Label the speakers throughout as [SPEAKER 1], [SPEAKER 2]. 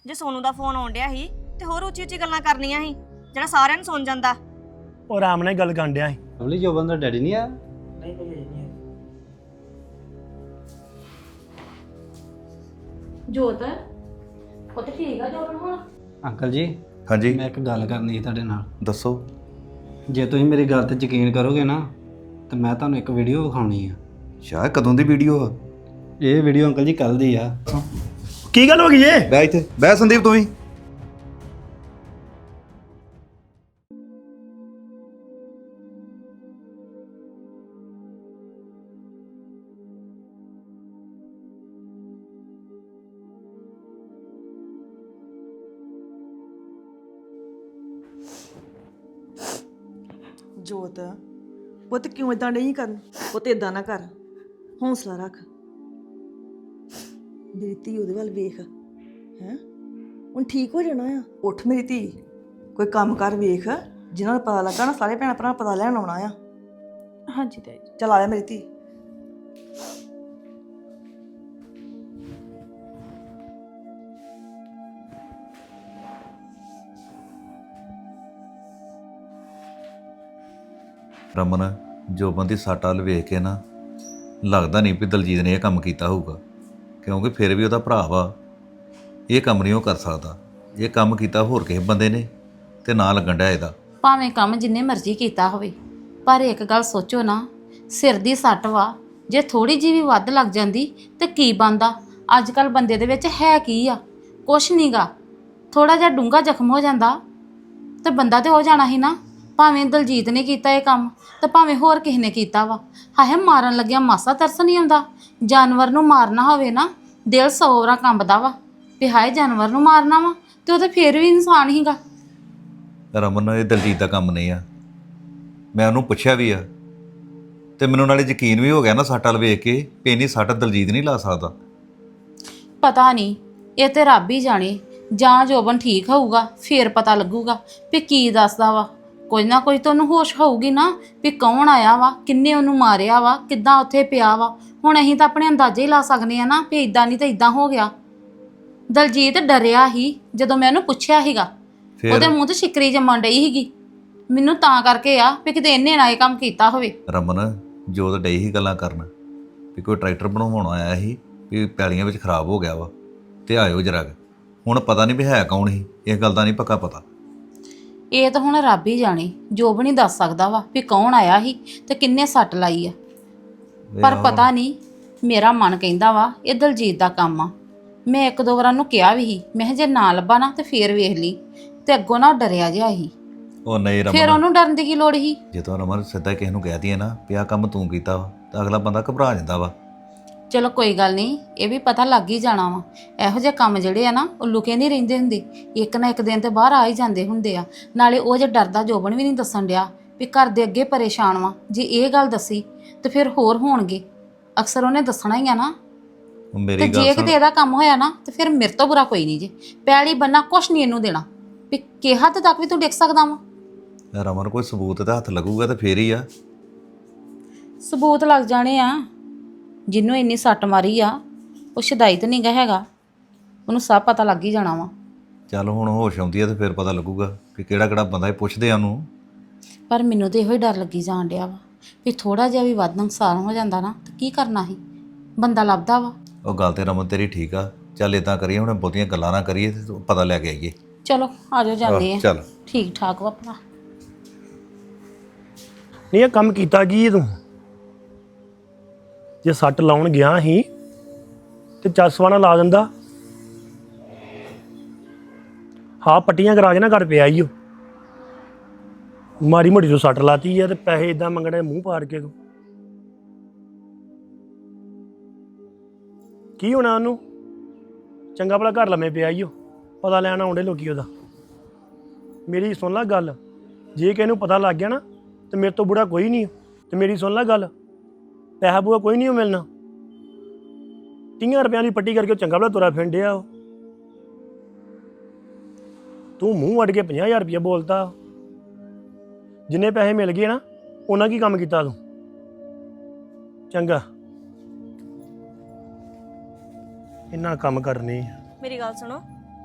[SPEAKER 1] ਜੇ ਸੋਨੂ ਦਾ ਫੋਨ ਆਉਣ ਡਿਆ ਸੀ ਤੇ ਹੋਰ ਉੱਚੀ ਉੱਚੀ ਗੱਲਾਂ ਕਰਨੀਆਂ ਸੀ ਜਿਹੜਾ ਸਾਰਿਆਂ ਨੂੰ ਸੁਣ ਜਾਂਦਾ।
[SPEAKER 2] ਉਹ ਆਰਾਮ ਨਾਲ ਗੱਲ ਕਰਨ ਡਿਆ ਸੀ।
[SPEAKER 3] ਲਵਲੀ ਜੋਬਨ ਦਾ ਡੈਡੀ ਨਹੀਂ ਆ?
[SPEAKER 4] ਨਹੀਂ ਭਾਜੀ ਨਹੀਂ ਹੈ।
[SPEAKER 5] ਜੋਤ ਉਹ ਤੇ ਠੀਕ ਆ ਜੋਬਨ ਹੁਣ।
[SPEAKER 3] ਅੰਕਲ ਜੀ
[SPEAKER 6] ਹਾਂਜੀ
[SPEAKER 3] ਮੈਂ ਇੱਕ ਗੱਲ ਕਰਨੀ ਸੀ ਤੁਹਾਡੇ ਨਾਲ।
[SPEAKER 6] ਦੱਸੋ।
[SPEAKER 3] ਜੇ ਤੁਸੀਂ ਮੇਰੀ ਗੱਲ ਤੇ ਯਕੀਨ ਕਰੋਗੇ ਨਾ ਤਾਂ ਮੈਂ ਤੁਹਾਨੂੰ ਇੱਕ ਵੀਡੀਓ ਵਿਖਾਉਣੀ ਆ।
[SPEAKER 6] ਸ਼ਾਇਦ ਕਦੋਂ ਦੀ ਵੀਡੀਓ ਆ?
[SPEAKER 3] ਇਹ ਵੀਡੀਓ ਅੰਕਲ ਜੀ ਕੱਲ ਦੀ ਆ।
[SPEAKER 2] ਕੀ ਗੱਲ ਹੋ ਗਈ ਏ?
[SPEAKER 6] ਬੈ ਇੱਥੇ ਬੈ ਸੰਦੀਪ ਤੂੰ ਵੀ।
[SPEAKER 7] ਜੋਤ ਪੁੱਤ ਕਿਉਂ ਇਦਾਂ ਨਹੀਂ ਕਰਨ? ਪੁੱਤ ਇਦਾਂ ਨਾ ਕਰ, ਹੌਸਲਾ ਰੱਖ। ਮੇਰੀ ਧੀ ਉਹਦੇ ਵੱਲ ਵੇਖ ਹੈ, ਹੁਣ ਠੀਕ ਹੋ ਜਾਣਾ ਆ। ਉੱਠ ਮੇਰੀ ਧੀ, ਕੋਈ ਕੰਮ ਕਰ ਵੇਖ, ਜਿਨ੍ਹਾਂ ਨੂੰ ਪਤਾ ਲੱਗਾ ਨਾ ਸਾਰੇ ਭੈਣ ਭਰਾ ਪਤਾ ਲੈਣ ਆਉਣਾ ਆ।
[SPEAKER 5] ਹਾਂਜੀ ਤਾਈ।
[SPEAKER 7] ਚੱਲ ਆ ਜਾ ਮੇਰੀ ਧੀ।
[SPEAKER 6] ਰਮਨ ਜੋਬਨ ਦੀ ਸੱਟ ਵੱਲ ਵੇਖ ਕੇ ਨਾ ਲੱਗਦਾ ਨਹੀਂ ਵੀ ਦਲਜੀਤ ਨੇ ਇਹ ਕੰਮ ਕੀਤਾ ਹੋਊਗਾ, ਕਿਉਂਕਿ ਫਿਰ ਵੀ ਉਹਦਾ ਭਰਾ ਵਾ। ਇਹ ਕੰਮ ਨਹੀਂ ਉਹ ਕਰ ਸਕਦਾ। ਇਹ ਕੰਮ ਕੀਤਾ ਹੋਰ ਕਿਸੇ ਬੰਦੇ ਨੇ ਤੇ ਨਾ ਲੱਗਣ ਡਿਆ ਇਹਦਾ।
[SPEAKER 5] ਭਾਵੇਂ ਕੰਮ ਜਿੰਨੇ ਮਰਜ਼ੀ ਕੀਤਾ ਹੋਵੇ, ਪਰ ਇੱਕ ਗੱਲ ਸੋਚੋ ਨਾ, ਸਿਰ ਦੀ ਸੱਟ ਵਾ, ਜੇ ਥੋੜੀ ਜਿਹੀ ਵੀ ਵੱਧ ਲੱਗ ਜਾਂਦੀ ਤੇ ਕੀ ਬਣਦਾ? ਅੱਜ ਕੱਲ ਬੰਦੇ ਦੇ ਵਿੱਚ ਹੈ ਕੀ ਆ? ਕੁਛ ਨਹੀਂਗਾ। ਥੋੜਾ ਜਿਹਾ ਡੂੰਘਾ ਜ਼ਖਮ ਹੋ ਜਾਂਦਾ ਤੇ ਬੰਦਾ ਤੇ ਹੋ ਜਾਣਾ ਸੀ ਨਾ। ਭਾਵੇਂ ਦਲਜੀਤ ਨੇ ਕੀਤਾ ਇਹ ਕੰਮ ਤੇ ਭਾਵੇਂ ਹੋਰ ਕਿਸੇ ਨੇ ਕੀਤਾ ਵਾ। ਹਾਏ ਮਾਰਨ ਲੱਗਿਆ ਮਾਸਾ ਤਰਸ ਨਹੀਂ ਆਉਂਦਾ? ਜਾਨਵਰ ਨੂੰ ਮਾਰਨਾ ਹੋਵੇ ਨਾ, ਦਿਲ 100 ਵਾਰ ਕੰਬਦਾ ਵਾ ਵੀ ਹਾਏ ਜਾਨਵਰ ਨੂੰ ਮਾਰਨਾ ਵਾ, ਤੇ ਉਹ ਤੇ ਫੇਰ ਵੀ ਇਨਸਾਨ ਹੀਗਾ।
[SPEAKER 6] ਰਮਨ ਇਹ ਦਲਜੀਤ ਦਾ ਕੰਮ ਨਹੀਂ ਆ। ਮੈਂ ਉਹਨੂੰ ਪੁੱਛਿਆ ਵੀ ਆ ਤੇ ਮੈਨੂੰ ਨਾਲੇ ਯਕੀਨ ਵੀ ਹੋ ਗਿਆ ਨਾ ਸੱਟ ਵੱਲ ਵੇਖ ਕੇ ਵੀ ਇੰਨੀ ਸੱਟ ਦਲਜੀਤ ਨਹੀਂ ਲਾ ਸਕਦਾ।
[SPEAKER 5] ਪਤਾ ਨਹੀਂ, ਇਹ ਤੇ ਰੱਬ ਹੀ ਜਾਣੇ। ਜਾਂ ਜੋਬਨ ਠੀਕ ਹੋਊਗਾ ਫੇਰ ਪਤਾ ਲੱਗੂਗਾ ਵੀ ਕੀ ਦੱਸਦਾ ਵਾ। ਕੋਈ ਨਾ ਕੋਈ ਤਾਂ ਉਹਨੂੰ ਹੋਸ਼ ਹੋਊਗੀ ਨਾ ਵੀ ਕੌਣ ਆਇਆ ਵਾ, ਕਿੰਨੇ ਉਹਨੂੰ ਮਾਰਿਆ ਵਾ, ਕਿੱਦਾਂ ਉੱਥੇ ਪਿਆ ਵਾ। ਹੁਣ ਅਸੀਂ ਤਾਂ ਆਪਣੇ ਅੰਦਾਜ਼ੇ ਹੀ ਲਾ ਸਕਦੇ ਆ ਨਾ ਵੀ ਇਦਾਂ ਨਹੀਂ ਤਾਂ ਇਦਾਂ ਹੋ ਗਿਆ। ਦਲਜੀਤ ਡਰਿਆ ਹੀ ਜਦੋਂ ਮੈਂ ਉਹਨੂੰ ਪੁੱਛਿਆ ਸੀਗਾ, ਉਹਦੇ ਮੂੰਹ ਤੇ ਸ਼ਿਕਰੀ ਜੰਮਣ ਡਈ ਸੀਗੀ। ਮੈਨੂੰ ਤਾਂ ਕਰਕੇ ਆ ਵੀ ਕਿਤੇ ਇਹਨੇ ਨਾ ਇਹ ਕੰਮ ਕੀਤਾ ਹੋਵੇ।
[SPEAKER 6] ਰਮਨ ਜੋਤ ਡਈ ਹੀ ਗੱਲਾਂ ਕਰਨ ਵੀ ਕੋਈ ਟਰੈਕਟਰ ਬਣਵਾਉਣ ਆਇਆ ਸੀ ਵੀ ਪੈਲੀਆਂ ਵਿੱਚ ਖਰਾਬ ਹੋ ਗਿਆ ਵਾ ਤੇ ਆਇਓ ਜਰਾ। ਹੁਣ ਪਤਾ ਨਹੀਂ ਵੀ ਹੈ ਕੌਣ ਸੀ, ਇਸ ਗੱਲ ਦਾ ਨਹੀਂ ਪੱਕਾ ਪਤਾ।
[SPEAKER 5] ਇਹ ਤਾਂ ਹੁਣ ਰੱਬ ਹੀ ਜਾਣੇ, ਜੋਬ ਨਹੀਂ ਦੱਸ ਸਕਦਾ ਵਾ ਵੀ ਕੌਣ ਆਇਆ ਸੀ ਤੇ ਕਿੰਨੇ ਸੱਟ ਲਾਈ ਆ। ਪਰ ਪਤਾ ਨਹੀਂ, ਮੇਰਾ ਮਨ ਕਹਿੰਦਾ ਵਾ ਇਹ ਦਲਜੀਤ ਦਾ ਕੰਮ ਆ। ਮੈਂ ਇੱਕ ਦੋ ਵਾਰਾਂ ਨੂੰ ਕਿਹਾ ਵੀ ਸੀ, ਮੈਂ ਕਿਹਾ ਜੇ ਨਾ ਲੱਭਾ ਨਾ ਤੇ ਫੇਰ ਵੇਖ ਲਈ। ਤੇ ਅੱਗੋਂ ਨਾ ਡਰਿਆ ਜਿਹਾ ਸੀ।
[SPEAKER 6] ਉਹ ਨਹੀਂ
[SPEAKER 5] ਫਿਰ
[SPEAKER 6] ਰਮਨ,
[SPEAKER 5] ਉਹਨੂੰ ਡਰਨ ਦੀ ਕੀ ਲੋੜ ਸੀ?
[SPEAKER 6] ਜਦੋਂ ਰਮਨ ਸਿੱਧਾ ਕਿਸੇ ਨੂੰ ਕਹਿ ਦਈਏ ਨਾ ਵੀ ਆਹ ਕੰਮ ਤੂੰ ਕੀਤਾ ਵਾ ਤਾਂ ਅਗਲਾ ਬੰਦਾ ਘਬਰਾ ਜਾਂਦਾ ਵਾ।
[SPEAKER 5] ਚਲੋ ਕੋਈ ਗੱਲ ਨਹੀਂ, ਇਹ ਵੀ ਪਤਾ ਲੱਗ ਹੀ ਜਾਣਾ ਵਾ। ਇਹੋ ਜਿਹੇ ਕੰਮ ਜਿਹੜੇ ਆ ਨਾ ਉਹ ਲੁਕੇ ਨਹੀਂ ਰਹਿੰਦੇ ਹੁੰਦੇ, ਇੱਕ ਨਾ ਇੱਕ ਦਿਨ ਤੇ ਬਾਹਰ ਆ ਹੀ ਜਾਂਦੇ ਹੁੰਦੇ ਆ। ਨਾਲੇ ਉਹ ਜੇ ਡਰਦਾ ਜੋਬਨ ਵੀ ਨਹੀਂ ਦੱਸਣ ਡਿਆ ਵੀ ਘਰ ਦੇ ਅੱਗੇ ਪਰੇਸ਼ਾਨ ਵਾ। ਜੇ ਇਹ ਗੱਲ ਦੱਸੀ ਤੇ ਫਿਰ ਹੋਰ ਹੋਣਗੇ। ਅਕਸਰ ਉਹਨੇ ਦੱਸਣਾ ਹੀ ਆ ਨਾ।
[SPEAKER 6] ਹੁਣ
[SPEAKER 5] ਤੇ
[SPEAKER 6] ਮੇਰੀ
[SPEAKER 5] ਜੇ
[SPEAKER 6] ਗੱਲ
[SPEAKER 5] ਕਿਤੇ
[SPEAKER 6] ਸੁਣ
[SPEAKER 5] ਇਹਦਾ ਕੰਮ ਹੋਇਆ ਨਾ ਤੇ ਫਿਰ ਮੇਰੇ ਤੋਂ ਬੁਰਾ ਕੋਈ ਨਹੀਂ ਜੇ। ਪੈਲੀ ਬੰਨਾ ਕੁਛ ਨਹੀਂ ਇਹਨੂੰ ਦੇਣਾ ਵੀ ਕਿ ਹੱਦ ਤੱਕ ਵੀ ਤੂੰ ਡਿੱਗ ਸਕਦਾ ਵਾ।
[SPEAKER 6] ਰਮਨ ਕੋਈ ਸਬੂਤ ਤੇ ਹੱਥ ਲੱਗੂਗਾ ਤੇ ਫੇਰ ਹੀ ਆ।
[SPEAKER 5] ਸਬੂਤ ਲੱਗ ਜਾਣੇ ਆ। ਜਿਹਨੂੰ ਇੰਨੀ ਸੱਟ ਮਾਰੀ ਆ ਉਹ ਸ਼ਦਾਈ ਤਾਂ ਨਹੀਂਗਾ ਹੈਗਾ, ਉਹਨੂੰ ਸਭ ਪਤਾ ਲੱਗ ਹੀ ਜਾਣਾ ਵਾ।
[SPEAKER 6] ਚੱਲ ਹੁਣ ਹੋਸ਼ ਆਉਂਦੀ ਆ ਤੇ ਫਿਰ ਪਤਾ ਲੱਗੂਗਾ ਕਿ ਕਿਹੜਾ ਕਿਹੜਾ ਬੰਦਾ ਇਹ ਪੁੱਛਦੇ ਆ ਉਹਨੂੰ।
[SPEAKER 5] ਪਰ ਮੈਨੂੰ ਤੇ ਇਹੋ ਹੀ ਡਰ ਲੱਗੀ ਜਾਣ ਡਿਆ ਵਾ ਵੀ ਥੋੜਾ ਜਿਹਾ ਵੀ ਵੱਧ ਨੁਕਸਾਨ ਹੋ ਜਾਂਦਾ ਨਾ ਤਾਂ ਕੀ ਕਰਨਾ ਸੀ। ਬੰਦਾ ਲੱਭਦਾ ਵਾ।
[SPEAKER 6] ਉਹ ਗੱਲ ਤੇ ਰਮਨ ਤੇਰੀ ਠੀਕ ਆ। ਚੱਲ ਇਦਾਂ ਕਰੀਏ, ਹੁਣ ਬਹੁਤੀਆਂ ਗੱਲਾਂ ਨਾ ਕਰੀਏ ਤੇ ਪਤਾ ਲੈ ਕੇ ਆਈਏ।
[SPEAKER 5] ਚਲੋ ਆ ਜਾਓ, ਜਾਂਦੇ ਆ।
[SPEAKER 6] ਚੱਲ
[SPEAKER 5] ਠੀਕ ਠਾਕ ਵਾ ਭਰਾ।
[SPEAKER 2] ਨਹੀਂ ਇਹ ਕੰਮ ਕੀਤਾ ਕੀ ਤੂੰ? ਜੇ ਸੱਟ ਲਾਉਣ ਗਿਆ ਸੀ ਤੇ ਚਸਵਾਣਾ ਲਾ ਦਿੰਦਾ। ਹਾਂ ਪੱਟੀਆਂ ਕਰਾ ਕੇ ਨਾ ਘਰ ਪਿਆ ਈ ਓ। ਮਾਰੀ ਮੋਟੀ ਤੋਂ ਸੱਟ ਲਾਤੀ ਆ ਤੇ ਪੈਸੇ ਇਦਾਂ ਮੰਗਣੇ ਮੂੰਹ ਪਾੜ ਕੇ ਤੂੰ। ਕੀ ਹੋਣਾ ਉਹਨੂੰ? ਚੰਗਾ ਭਲਾ ਘਰ ਲੰਮੇ ਪਿਆ ਈ ਓ, ਪਤਾ ਲੈਣ ਆਉਂਦੇ ਲੋਕੀ ਉਹਦਾ। ਮੇਰੀ ਸੁਣ ਲੈ ਗੱਲ, ਜੇ ਕਿਸੇ ਨੂੰ ਪਤਾ ਲੱਗ ਗਿਆ ਨਾ ਤੇ ਮੇਰੇ ਤੋਂ ਬੁੜਾ ਕੋਈ ਨਹੀਂ। ਤੇ ਮੇਰੀ ਸੁਣ ਲੈ ਗੱਲ, ਪੈਸਾ ਪੂਆ ਕੋਈ ਨਹੀਂ ਮਿਲਣਾ। 30 ਰੁਪਈਆਂ ਦੀ ਪੱਟੀ ਕਰਕੇ ਚੰਗਾ ਭਲਾ ਤੁਰਾ ਫਿਰਨ ਡਿਆ ਉਹ। ਤੂੰ ਮੂੰਹ ਵੱਢ ਕੇ 50,000 ਰੁਪਈਆ ਬੋਲਤਾ। ਜਿੰਨੇ ਪੈਸੇ ਮਿਲ ਗਏ ਨਾ ਉਹਨਾਂ ਕੀ ਕੰਮ ਕੀਤਾ ਤੂੰ? ਚੰਗਾ ਇਹਨਾਂ ਕੰਮ ਕਰਨੇ।
[SPEAKER 1] ਮੇਰੀ ਗੱਲ ਸੁਣੋ,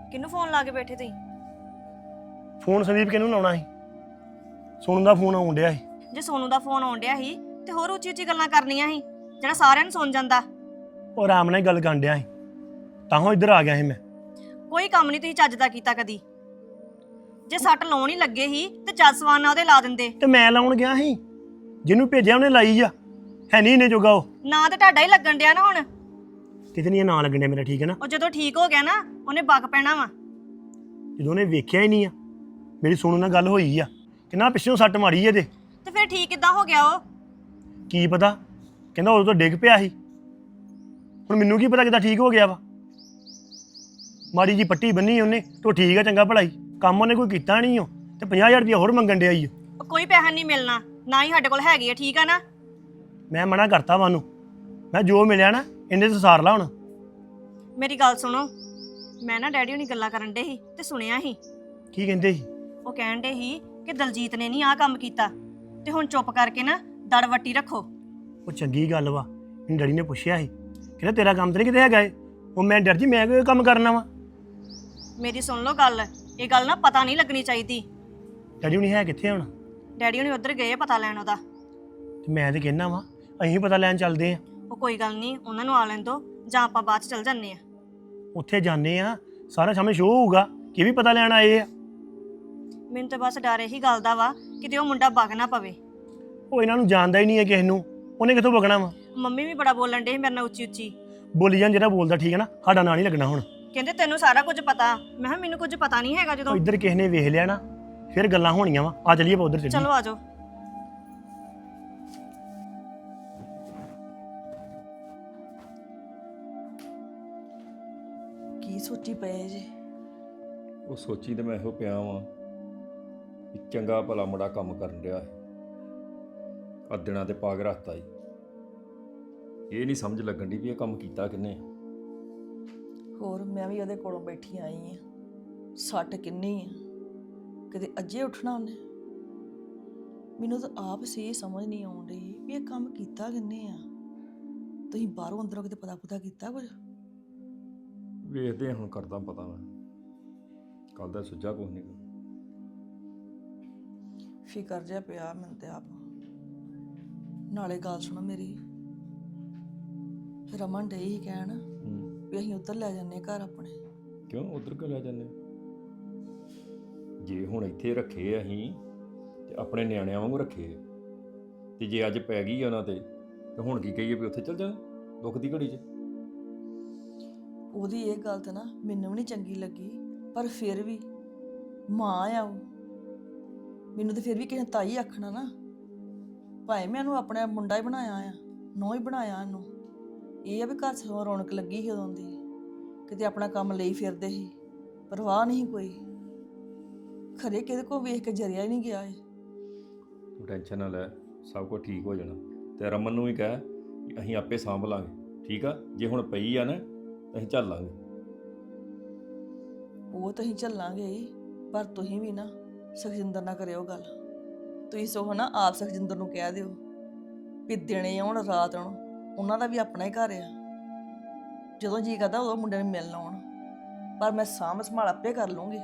[SPEAKER 1] ਕਿਹਨੂੰ ਫੋਨ ਲਾ ਕੇ ਬੈਠੇ ਤੁਸੀਂ?
[SPEAKER 2] ਫੋਨ ਸੰਦੀਪ ਕਿਹਨੂੰ ਲਾਉਣਾ ਸੀ? ਸੁਣਨ ਦਾ ਫੋਨ ਆਉਣ ਡਿਆ ਸੀ।
[SPEAKER 1] ਜੇ ਸੋਨੂ ਦਾ ਫੋਨ ਆਉਣ ਡਿਆ ਸੀ ਤੇ ਹੋਰ ਉੱਚੀ ਉੱਚੀ ਗੱਲਾਂ ਕਰਨੀਆਂ ਸੀ ਜਿਹੜਾ ਸਾਰਿਆਂ ਨੂੰ ਸੁਣ ਜਾਂਦਾ।
[SPEAKER 2] ਉਹ ਆਰਾਮ ਨਾਲ ਹੀ ਗੱਲ ਕਰਨ ਡਿਆ ਸੀ, ਤਾਂਹੋਂ ਇੱਧਰ ਆ ਗਿਆ ਸੀ ਮੈਂ।
[SPEAKER 1] ਕੋਈ ਕੰਮ ਨਹੀਂ ਤੁਸੀਂ ਚੱਜ ਦਾ ਕੀਤਾ ਕਦੀ। ਜੇ ਸੱਟ ਲਾਉਣ ਹੀ ਲੱਗੇ ਸੀ ਤੇ ਚੱਜ ਸਵਾਨ ਨਾਲ ਉਹਦੇ ਲਾ ਦਿੰਦੇ।
[SPEAKER 2] ਤੇ ਮੈਂ ਲਾਉਣ ਗਿਆ ਸੀ, ਜਿਹਨੂੰ ਭੇਜਿਆ ਉਹਨੇ ਲਾਈ ਆ। ਹੈ ਨਹੀਂ ਇਹਨੇ ਜੋਗਾ ਉਹ।
[SPEAKER 1] ਨਾ ਤੇ ਤੁਹਾਡਾ ਹੀ ਲੱਗਣ ਡਿਆ ਨਾ ਹੁਣ।
[SPEAKER 2] ਕਿਤੇ ਨਹੀਂ ਨਾਂ ਲੱਗਣ ਡਿਆ ਮੇਰਾ, ਠੀਕ ਹੈ ਨਾ।
[SPEAKER 1] ਉਹ ਜਦੋਂ ਠੀਕ ਹੋ ਗਿਆ ਨਾ ਉਹਨੇ ਬੱਗ ਪੈਣਾ ਵਾ।
[SPEAKER 2] ਜਦੋਂ ਉਹਨੇ ਵੇਖਿਆ ਹੀ ਨਹੀਂ ਆ, ਮੇਰੀ ਸੁਣਨ ਨਾਲ ਗੱਲ ਹੋਈ ਆ ਕਿੰਨਾ ਪਿੱਛੋਂ ਸੱਟ ਮਾਰੀ ਇਹਦੇ।
[SPEAKER 1] ਤੇ ਫਿਰ ਠੀਕ ਕਿੱਦਾਂ ਹੋ ਗਿਆ ਉਹ?
[SPEAKER 2] ਕੀ ਪਤਾ, ਕਹਿੰਦਾ ਉਦੋਂ ਤੋਂ ਡਿੱਗ ਪਿਆ ਸੀ। ਹੁਣ ਮੈਨੂੰ ਕੀ ਪਤਾ ਕਿੱਦਾਂ ਠੀਕ ਹੋ ਗਿਆ ਵਾ। ਮਾੜੀ ਜੀ ਪੱਟੀ ਬੰਨੀ ਉਹਨੇ ਤੋ ਠੀਕ ਆ, ਚੰਗਾ ਭਲਾਈ ਕੰਮ ਉਹਨੇ ਕੋਈ ਕੀਤਾ ਨਹੀਂ ਉਹ, ਤੇ 50,000 ਰੁਪਇਆ ਹੋਰ ਮੰਗਣ ਡਿਆ ਈ ਓ।
[SPEAKER 1] ਉਹ ਕੋਈ ਪੈਸਾ ਨਹੀਂ ਮਿਲਣਾ, ਨਾ ਹੀ ਸਾਡੇ ਕੋਲ ਹੈਗੀ ਆ, ਠੀਕ ਆ ਨਾ।
[SPEAKER 2] ਮੈਂ ਮਨਾ ਕਰਤਾ ਵਾ ਉਹਨੂੰ, ਮੈਂ ਜੋ ਮਿਲਿਆ ਨਾ ਇਹਨੇ ਤੇ ਸਾਰ ਲਾ ਹੁਣ।
[SPEAKER 1] ਮੇਰੀ ਗੱਲ ਸੁਣੋ, ਮੈਂ ਨਾ ਡੈਡੀ ਹੁਣੀ ਗੱਲਾਂ ਕਰਨ ਡੇ ਸੀ ਤੇ ਸੁਣਿਆ ਸੀ।
[SPEAKER 2] ਕੀ ਕਹਿੰਦੇ ਸੀ?
[SPEAKER 1] ਉਹ ਕਹਿਣ ਡੇ ਸੀ ਕਿ ਦਲਜੀਤ ਨੇ ਨਹੀਂ ਆਹ ਕੰਮ ਕੀਤਾ ਤੇ ਹੁਣ ਚੁੱਪ ਕਰਕੇ ਨਾ ਦੜ ਵੱਟੀ ਰੱਖੋ।
[SPEAKER 2] ਉਹ ਚੰਗੀ ਗੱਲ ਵਾ। ਮੈਨੂੰ ਡੈਡੀ ਨੇ ਪੁੱਛਿਆ ਸੀ, ਕਹਿੰਦਾ ਤੇਰਾ ਕੰਮ ਤੇ ਨਹੀਂ ਕਿਤੇ ਹੈਗਾ ਏ। ਉਹ ਮੈਂ ਡਰ ਜੀ ਮੈਂ ਕੋਈ ਕੰਮ ਕਰਨਾ ਵਾ।
[SPEAKER 1] ਮੇਰੀ ਸੁਣ ਲਓ ਗੱਲ, ਇਹ ਗੱਲ ਨਾ ਪਤਾ ਨਹੀਂ ਲੱਗਣੀ ਚਾਹੀਦੀ।
[SPEAKER 2] ਡੈਡੀ ਹੁਣੀ ਹੈ ਕਿੱਥੇ ਹੁਣ?
[SPEAKER 1] ਡੈਡੀ ਹੁਣੀ ਉੱਧਰ ਗਏ ਆ ਪਤਾ ਲੈਣ ਉਹਦਾ।
[SPEAKER 2] ਤੇ ਮੈਂ ਤੇ ਕਹਿਣਾ ਵਾ ਅਸੀਂ ਪਤਾ ਲੈਣ ਚੱਲਦੇ ਆ।
[SPEAKER 1] ਉਹ ਕੋਈ ਗੱਲ ਨਹੀਂ, ਉਹਨਾਂ ਨੂੰ ਆ ਲੈਣ ਦੋ ਜਾਂ ਆਪਾਂ ਬਾਅਦ ਚ ਚੱਲ ਜੰਨੇ ਆ।
[SPEAKER 2] ਉੱਥੇ ਜਾਂਦੇ ਆ, ਸਾਰਾ ਸਾਹਮਣੇ ਸ਼ੋਅ ਹੋਊਗਾ ਕਿ ਵੀ ਪਤਾ ਲੈਣ ਆਏ ਆ।
[SPEAKER 1] ਮੈਨੂੰ ਤਾਂ ਬਸ ਡਰ ਇਹੀ ਗੱਲ ਦਾ ਵਾ ਕਿਤੇ ਉਹ ਮੁੰਡਾ ਵਗ ਨਾ ਪਵੇ।
[SPEAKER 2] ਉਹ ਇਹਨਾਂ ਨੂੰ ਜਾਣਦਾ ਹੀ ਨਹੀਂ ਹੈ ਕਿਸੇ ਨੂੰ, ਉਹਨੇ ਕਿੱਥੋਂ ਵਗਣਾ ਵਾ।
[SPEAKER 1] ਮੰਮੀ ਵੀ ਬੜਾ ਬੋਲਣ ਡੇ ਸੀ ਮੇਰੇ ਨਾਲ ਉੱਚੀ ਉੱਚੀ।
[SPEAKER 2] ਬੋਲੀ ਜਾਣ, ਜਿਹੜਾ ਬੋਲਦਾ ਠੀਕ ਹੈ ਨਾ, ਸਾਡਾ ਨਾਂ ਨਹੀਂ ਲੱਗਣਾ ਹੁਣ।
[SPEAKER 1] ਕਹਿੰਦੇ ਤੈਨੂੰ ਸਾਰਾ ਕੁਝ ਪਤਾ। ਮੈਂ ਕਿਹਾ ਮੈਨੂੰ ਕੁਝ ਪਤਾ ਨਹੀਂ ਹੈਗਾ। ਜਦੋਂ
[SPEAKER 2] ਉਹ ਇੱਧਰ ਕਿਸੇ ਨੇ ਵੇਖ ਲਿਆ ਨਾ ਫਿਰ ਗੱਲਾਂ ਹੋਣੀਆਂ ਵਾ। ਆ ਚਲੀਏ ਆਪਾਂ ਉੱਧਰ ਚੱਲੀਏ।
[SPEAKER 1] ਚਲੋ ਆਜੋ।
[SPEAKER 7] ਕੀ ਸੋਚੀ ਪਏ ਜੇ?
[SPEAKER 4] ਉਹ ਸੋਚੀ ਤੇ ਮੈਂ ਇਹੋ ਪਿਆ ਵਾਂ ਕਿ ਚੰਗਾ ਭਲਾ ਮੁੰਡਾ ਕੰਮ ਕਰਨ ਰਿਹਾ ਹੈ, ਆ ਦਿਨਾਂ ਤੇ ਪਾ ਕੇ ਰੱਖਤਾ ਈ। ਇਹ ਨਹੀਂ ਸਮਝ ਲੱਗਣ ਦੀ ਵੀ ਇਹ ਕੰਮ ਕੀਤਾ ਕਿੰਨੇ।
[SPEAKER 7] ਹੋਰ ਮੈਂ ਵੀ ਉਹਦੇ ਕੋਲੋਂ ਬੈਠੀ ਆਈ ਆ, ਸੱਟ ਕਿੰਨੀ ਆ, ਕਿਤੇ ਅੱਜੇ ਉੱਠਣਾ ਉਹਨੇ। ਮੈਨੂੰ ਤਾਂ ਆਪ ਸੀ ਸਮਝ ਨਹੀਂ ਆਉਣ ਡਈ ਵੀ ਇਹ ਕੰਮ ਕੀਤਾ ਕਿੰਨੇ ਆ। ਤੁਸੀਂ ਬਾਹਰੋਂ ਅੰਦਰੋਂ ਕਿਤੇ ਪਤਾ ਕੀਤਾ ਕੁਝ?
[SPEAKER 4] ਵੇਖਦੇ ਹੁਣ, ਕਰਦਾ ਪਤਾ ਮੈਂ। ਕੱਲ ਦਾ ਸੁੱਝਾ ਕੁਛ ਨਹੀਂ।
[SPEAKER 7] ਫਿਕਰ ਜਿਹਾ ਪਿਆ ਮੈਨੂੰ ਤੇ ਆਪ। ਨਾਲੇ ਗੱਲ ਸੁਣੋ ਮੇਰੀ, ਰਮਨ ਡਈ ਸੀ ਕਹਿਣ ਵੀ ਅਸੀਂ ਉੱਧਰ ਲੈ ਜਾਂਦੇ ਘਰ ਆਪਣੇ।
[SPEAKER 4] ਕਿਉਂ ਉਧਰ ਕਿਉਂ ਲੈ ਜਾਂਦੇ? ਜੇ ਹੁਣ ਇੱਥੇ ਰੱਖੇ ਅਸੀਂ ਤੇ ਆਪਣੇ ਨਿਆਣਿਆਂ ਵਾਂਗੂ ਰੱਖੇ, ਤੇ ਜੇ ਅੱਜ ਪੈ ਗਈ ਉਹਨਾਂ ਤੇ ਹੁਣ ਕੀ ਕਹੀਏ ਵੀ ਉੱਥੇ ਚੱਲ ਜਾ ਦੁੱਖ ਦੀ ਘੜੀ 'ਚ।
[SPEAKER 7] ਉਹਦੀ ਇਹ ਗੱਲ ਤਾਂ ਨਾ ਮੈਨੂੰ ਵੀ ਨਹੀਂ ਚੰਗੀ ਲੱਗੀ, ਪਰ ਫਿਰ ਵੀ ਮਾਂ ਆ ਉਹ। ਮੈਨੂੰ ਤਾਂ ਫਿਰ ਵੀ ਕਿਸੇ ਨੇ ਤਾਈ ਆਖਣਾ ਨਾ। ਭਾਵੇਂ ਮੈਂ ਇਹਨੂੰ ਆਪਣਾ ਮੁੰਡਾ ਹੀ ਬਣਾਇਆ ਆ, ਨੌਂ ਹੀ ਬਣਾਇਆ ਇਹਨੂੰ। ਇਹ ਆ ਵੀ ਘਰ 'ਚ ਰੌਣਕ ਲੱਗੀ ਸੀ ਉਦੋਂ ਦੀ, ਕਿਤੇ ਆਪਣਾ ਕੰਮ ਲਈ ਫਿਰਦੇ ਸੀ, ਪਰਵਾਹ ਨਹੀਂ ਕੋਈ। ਖਰੇ ਕਿਹਦੇ ਕੋਲ ਵੇਖ ਕੇ ਜਰਿਆ ਹੀ ਨਹੀਂ ਗਿਆ ਏ।
[SPEAKER 4] ਤੂੰ ਟੈਨਸ਼ਨ ਨਾ ਲੈ, ਸਭ ਕੁਝ ਠੀਕ ਹੋ ਜਾਣਾ। ਤੇ ਰਮਨ ਨੂੰ ਵੀ ਕਹਿ ਕਿ ਅਸੀਂ ਆਪੇ ਸਾਂਭ ਲਾਂਗੇ, ਠੀਕ ਆ। ਜੇ ਹੁਣ ਪਈ ਆ ਨਾ ਅਸੀਂ ਚੱਲ ਲਾਂਗੇ।
[SPEAKER 7] ਉਹ ਤਾਂ ਅਸੀਂ ਚੱਲਾਂਗੇ ਹੀ, ਪਰ ਤੁਸੀਂ ਵੀ ਨਾ ਸੁਖਜਿੰਦਰ ਨਾਲ ਕਰਿਓ ਗੱਲ। ਤੁਸੀਂ ਸੋ ਨਾ ਆਪ ਸੁਖਜਿੰਦਰ ਨੂੰ ਕਹਿ ਦਿਓ ਵੀ ਦਿਨੇ ਆਉਣ ਰਾਤ ਆਉਣ, ਉਹਨਾਂ ਦਾ ਵੀ ਆਪਣਾ ਹੀ ਘਰ ਆ। ਜਦੋਂ ਜੀ ਕਰਦਾ ਉਦੋਂ ਮੁੰਡੇ ਨੂੰ ਮਿਲਣ ਆਉਣ, ਪਰ ਮੈਂ ਸਾਂਭ ਸੰਭਾਲ ਆਪੇ ਕਰ ਲੂੰਗੀ।